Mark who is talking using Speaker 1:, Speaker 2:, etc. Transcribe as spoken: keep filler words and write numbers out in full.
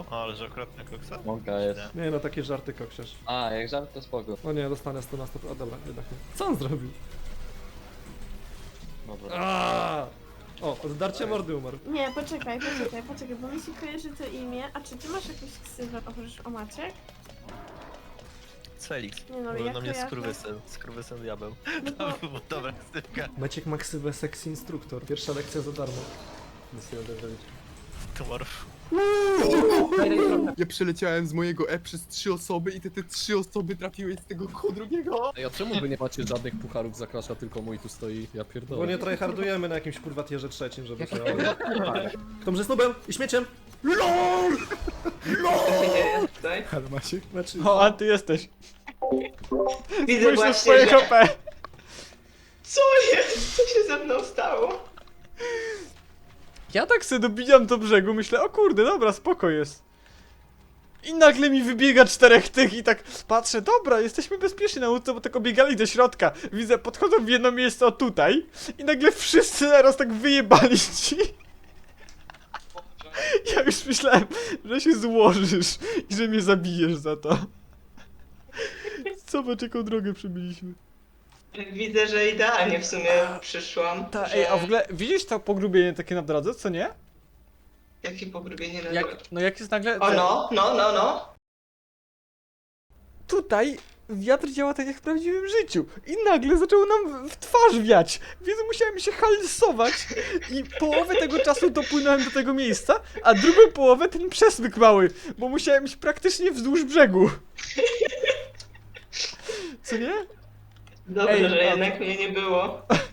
Speaker 1: dostał? O, ale że akurat na koksa?
Speaker 2: Mąka jest.
Speaker 1: Nie.
Speaker 3: Nie no, takie żarty koksiarz.
Speaker 2: A, jak żart to spoko.
Speaker 3: O nie, dostanę sto na sto. A dobra, jednak nie. Co on zrobił?
Speaker 2: Dobra.
Speaker 3: Aaaa! O, oddarcie mordy umarł.
Speaker 4: Nie, poczekaj, poczekaj, poczekaj, bo mi się kojarzy to imię. A czy ty masz jakąś ksywę oprócz o Maciek?
Speaker 1: Felix.
Speaker 4: Nie no,
Speaker 1: Mówią
Speaker 4: jak
Speaker 1: na mnie
Speaker 4: kojarzę?
Speaker 1: skurwysyn. Skurwysyn diabeł.
Speaker 4: No
Speaker 1: To
Speaker 4: bo...
Speaker 1: była dobra ksywka.
Speaker 3: Maciek ma ksywę sexy instruktor. Pierwsza lekcja za darmo. Nic nie będę robić.
Speaker 1: Tomorrow.
Speaker 5: Ja przeleciałem z mojego E przez trzy osoby i te, te trzy osoby trafiły z tego ku drugiego.
Speaker 6: Ej, a czemu wy nie macie żadnych pucharów za Crasha, tylko mój tu stoi? Ja
Speaker 3: Bo
Speaker 6: pierdolę.
Speaker 3: nie tryhardujemy na jakimś kurwa tierze trzecim, żeby się... Kto mnie snubem i śmieciem? LOL!
Speaker 7: Tutaj.
Speaker 5: Ale Maciek?
Speaker 3: Znaczy...
Speaker 8: O, a ty jesteś.
Speaker 7: Widzę
Speaker 8: Spójrz na
Speaker 7: właśnie,
Speaker 8: swoje
Speaker 7: że...
Speaker 8: H P.
Speaker 7: Co jest? Co się ze mną stało?
Speaker 8: Ja tak sobie dobijam do brzegu, myślę, o kurde, dobra, spoko jest. I nagle mi wybiega czterech tych i tak patrzę, dobra, jesteśmy bezpieczni na łódce, bo tak obiegali do środka. Widzę, podchodzą w jedno miejsce, o tutaj. I nagle wszyscy naraz tak wyjebali ci. Ja już myślałem, że się złożysz i że mnie zabijesz za to. Zobacz, jaką drogę przebyliśmy.
Speaker 7: Widzę, że idealnie w sumie przyszłam.
Speaker 8: Ta,
Speaker 7: że...
Speaker 8: ej, a w ogóle widzisz to pogrubienie takie na drodze, co nie?
Speaker 7: Jakie pogrubienie na
Speaker 8: Jak,
Speaker 7: drodze?
Speaker 8: no jak jest nagle...
Speaker 7: O no, no, no, no.
Speaker 8: Tutaj wiatr działa tak jak w prawdziwym życiu i nagle zaczęło nam w twarz wiać, więc musiałem się halsować i połowę tego czasu dopłynąłem do tego miejsca, a drugą połowę ten przesmyk mały, bo musiałem iść praktycznie wzdłuż brzegu. Co nie?
Speaker 7: Dobrze,
Speaker 8: Ej,
Speaker 7: że
Speaker 8: a-
Speaker 7: jednak mnie nie było.